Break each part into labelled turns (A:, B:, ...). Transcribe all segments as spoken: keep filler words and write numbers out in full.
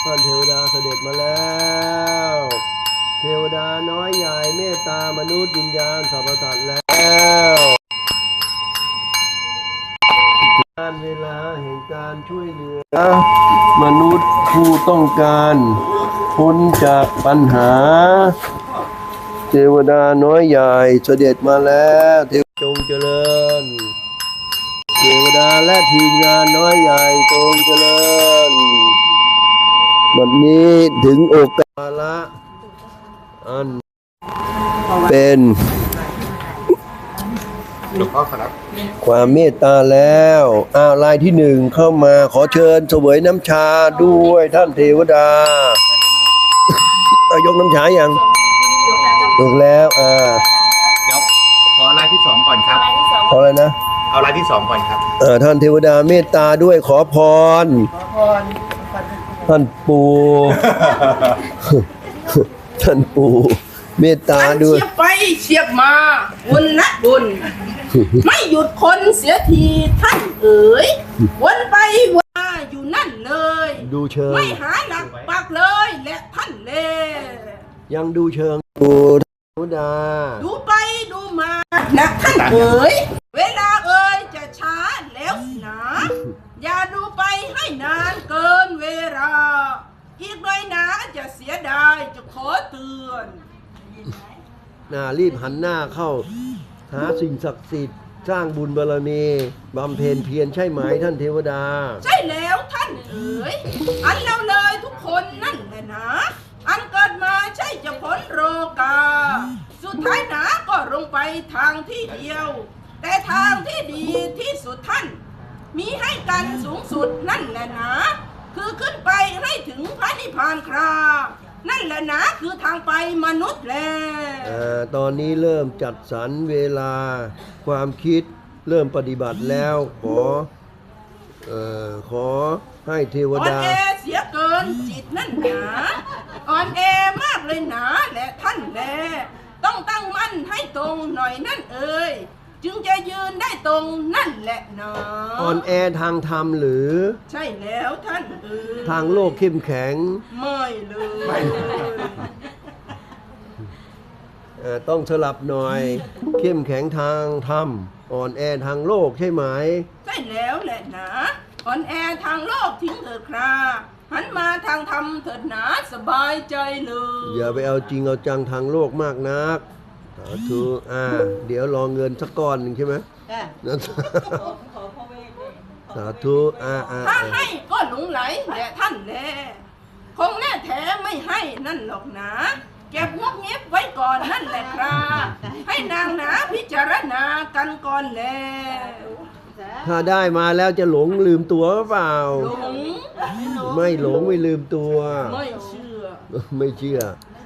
A: ท่านเทวดาเสด็จมาแล้วเทวดาน้อยใหญ่เมตตามนุษย์วิญญาณสรรพสัตว์แล้วการเวลาแห่งการช่วยเหลือมนุษย์ผู้ต้องการพ้นจากปัญหาเทวดาน้อยใหญ่เสด็จมาแล้วเทวจงเจริญเทวดาและทีมงานน้อยใหญ่จงเจริญบัดนี้ถึงโอกาสละอันเป็น
B: หลวงพ่อครับ
A: ความเมตตาแล้วอ้าวรายที่หนึ่งเข้ามาขอเชิญเสวยน้ำชาด้วยท่านเทวดาเอายกน้ำชาอย่างถูกแล้วอ่า
B: เดี๋ยวขอรายที่สองก่อนครับ
A: ขออะไรนะ
B: เอารายที่สองก่อนครับ
A: เออท่านเทวดาเมตตาด้วยขอพรท่านปู่ ท่านปู่เมตตาด้วย
C: เชียบไปเชียบมาบุญนะบุญ ไม่หยุดคนเสียทีท่านเอ๋ยวนไปวนมาอยู่นั่นเลย
A: ดูเชิง
C: ไม่หาหลักปักเลยและท่านเล
A: ยังดูเชิงดูเทวดา
C: ดูไปดูมานะท่านเอ๋ยเวลาเอ๋ยจะช้าแล้วหนาอย่าดูไปให้นานเกินเวลาอีกหน่อยนะจะเสียดายจะขอเตือน
A: น่ารีบหันหน้าเข้าหาสิ่งศักดิ์สิทธิ์สร้างบุญบารมีบำเพ็ญเพียรใช่ไหมท่านเทวดา
C: ใช่แล้วท่านเอ๋ยอันเราเลยทุกคนนั่นแหละนะอันเกิดมาใช่จะพ้นโรกาสุดท้ายหนาก็ลงไปทางที่เดียวแต่ทางที่ดีที่สุดท่านมีให้กันสูงสุดนั่นแหละนะคือขึ้นไปให้ถึงพระนิพพานครานั่นแหละนะคือทางไปมนุษย์แล
A: อ่าตอนนี้เริ่มจัดสรรเวลาความคิดเริ่มปฏิบัติแล้วขอเอ่อขอให้เทวดา
C: อ่อนแอเสียเกินจิตนั่นหนาอ่อนแอมากเลยหนาและท่านแลต้องตั้งมั่นให้ตรงหน่อยนั่นเอ่ยจึงจะยืนได้ตรงนั่นแหละหนา
A: อ่อนแอทางธรรมหรือ
C: ใช่แล้วท่านเอ่ย
A: ทางโลกเข้มแข็ง
C: ไม่เลย
A: ต้องสลับหน่อยเข้มแข็งทางธรรมอ่อนแอทางโลกใช่ไหม
C: ใช่แล้วแหละนะอ่อนแอทางโลกทิ้งเถิดคราหันมาทางธรรมเถิดหนาสบายใจเลย
A: อย่าไปเอาจริงเอาจังทางโลกมากนักสาธุอ่าเดี๋ยวรอเงินสักก้อนหนึ่งใช่ไหมสาธุอ่าอ่า
C: ถ้าให้ก็หลงไหลแหละท่านแลคงแน่แท้ไม่ให้นั่นหรอกนะเก็บงบเงียบไว้ก่อนนั่นแหละครับให้นางหนาพิจารณากันก่อนแล้ว
A: ถ้าได้มาแล้วจะหลงลืมตัวหรือเปล่า
C: หลง
A: ไม่หลงไม่ลืมตัว
C: ไม่เชื่อ
A: ไม่เชื่อ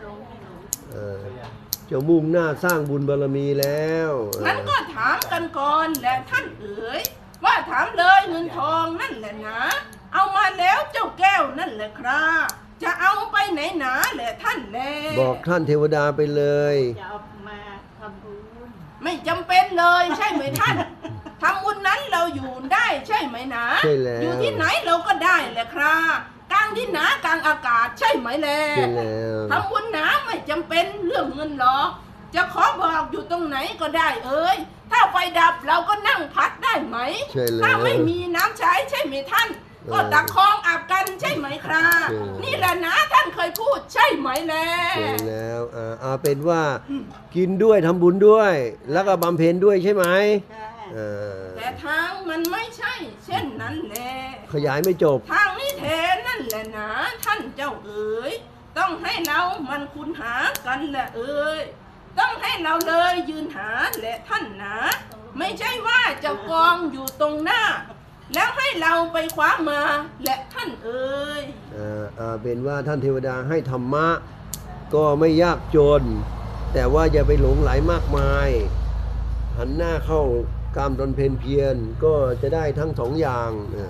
A: จะมุ่งหน้าสร้างบุญบารมีแล้ว
C: งั้นก็ถามกันก่อนแหละท่านเอ๋ยว่าถามเลยเงินทองนั่นแหละนะเอามาแล้วเจ้าแก้วนั่นแหละครับจะเอาไปไหนหนาแหละท่านแล
A: บอกท่านเทวดาไปเลย
C: จะเอามาทำบุญไม่จำเป็นเลยใช่ไหมท่านทำบุญนั้นเราอยู่ได้ใช่ไหมนะ
A: ใช่แล้ว
C: อยู่ที่ไหนเราก็ได้แหละครับกลางที่หนากลางอากาศใช่ไหมแล
A: ใช่แล้ว
C: ทำบุญหนาไม่จำเป็นเรื่องเงินหรอกจะขอบอกอยู่ตรงไหนก็ได้เอ้ยถ้าไฟดับเราก็นั่งพัดได้ไหมถ้าไม่มีน้ำใช้ใช่ไหมท่านก็ตักคลองอาบกันใช่ไหมครับนี่แหละนะท่านเคยพูดใช่ไหมแล
A: ใช่แล้วอ่าเอาเป็นว่ากินด้วยทำบุญด้วยแล้วก็บำเพ็ญด้วยใช่ไหม
C: แต่ทางมันไม่ใช่เช่นนั้นแหละ
A: ขยายไม่จบ
C: ทางนี้แท้นั่นแหละนะท่านเจ้าเอ๋ยต้องให้เรามันคุณหากันแหละเอ๋ยต้องให้เราเลยยืนหาแหละท่านนะไม่ใช่ว่าจะกองอยู่ตรงหน้าแล้วให้เราไปคว้ามาและท่านเอ๋ย
A: อ่าอ่าเป็นว่าท่านเทวดาให้ธรรมะก็ไม่ยากจนแต่ว่าอย่าไปหลงไหลมากมายหันหน้าเข้าการบำเพ็ญเพียรก็จะได้ทั้งสองอย่าง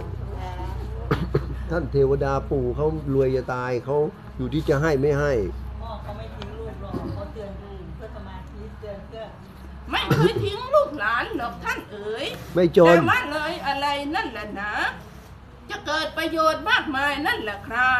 A: ท่านเทวดาปู่เขารวยจะตายเขาอยู่ที่จะให้ไม่ให้
D: พ่อเขาไม่ทิ้งลูกหรอกเขาเตือนเพื่อสมาธิเตือนเพื่อ
C: ไม่เคยทิ้งลูกหลานหรอกท่านเอ๋ย
A: ไม่จน
C: แต่ว่าเลยอะไรนั่นแหละนะจะเกิดประโยชน์มากมายนั่นแหละครับ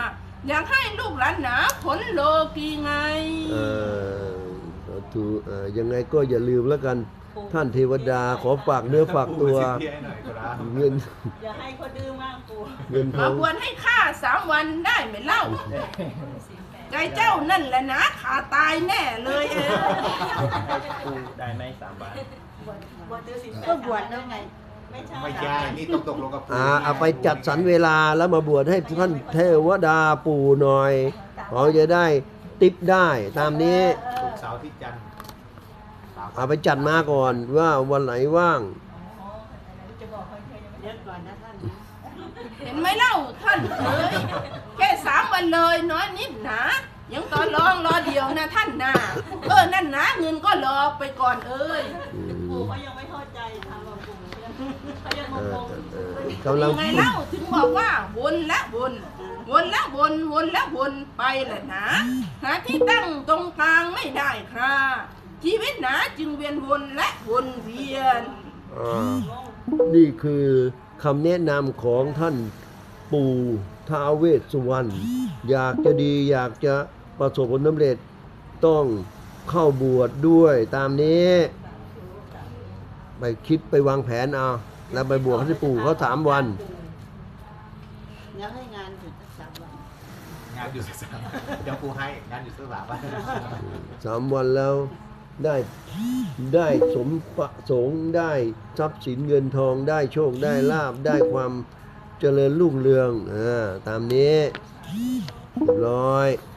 C: อยากให้ลูกหลานหนาผลโลกีไง
A: เอ่อสาธุเอ่อยังไงก็อย่าลืมแล้วกัน ท่านเทวดาขอฝากเนื้อฝากตัว
B: ปู่สิทธิ์ให้หน่อยครับ
A: เงิน
D: อย่าให้เขาดื้อมากปู่
A: เงินท
C: มา
A: อง
C: บวชให้ข้าสามวันได้ไหมเล่า ใจเจ้านั่นแหละนะขาตายแน่เลยเออ
E: ปูได้ไหมสามบาท
D: บวชบวชดื้อสิ
F: ก็บวชแล้วไง
D: ไม่ใช่
B: ไม่ใช่นี่ต้องตกลงกับปู่
A: อ่าเอาไปจัดสรรเวลาแล้วมาบวชให้ท่านเทวดาปู่หน่อยเขาจะได้ติปได้ตามนี้
B: ศุกร์เสาร์อาที่จันทร์สามวัน
A: เอาไปจัดมาก่อนว่าวันไหนว่าง
D: อ๋อจะบอกเขาแค่ยังไม่
F: เดี๋ยวก่อนนะท่าน
C: เห็นไหมเล่าท่านเอ้ยแค่สามวันเลยน้อยนิดหนายังต่อรองรอเดียวนะท่านนะเออนั่นนะเงินก็รอไปก่อนเอ้ย
D: ปู่เขายังไม่เข้าใจทางเราปู่เขายัง
A: เอง อง
D: ๆ
A: เออกำลัง
C: ยังไงเล่าถึงบอกว่าวนและวนวนและวนวนและวนไปแหละนะหาที่ตั้งตรงกลางไม่ได้ครับชีวิตหนาจึงเวียนวนและวนเวียน
A: อ่านี่คือคำแนะนำของท่านปู่ท้าวเวสสุวรรณอยากจะดีอยากจะประสบผลสำเร็จต้องเข้าบวชด้วยตามนี้ ไปคิดไปวางแผนเอาแล้วไปบวชให้ปู่เขาสามวัน
F: อยากให้งานถึงสักสามวัน
B: งานอยู่สักสามวันเดี๋ยวปู่ให้งานอยู่สักสามวัน
A: สามวันแล้วได้ได้สมประสงค์ได้ทรัพย์สินเงินทองได้โชคได้ลาบได้ความเจริญรุ่งเรืองอ่าตามนี้เรียบร้อย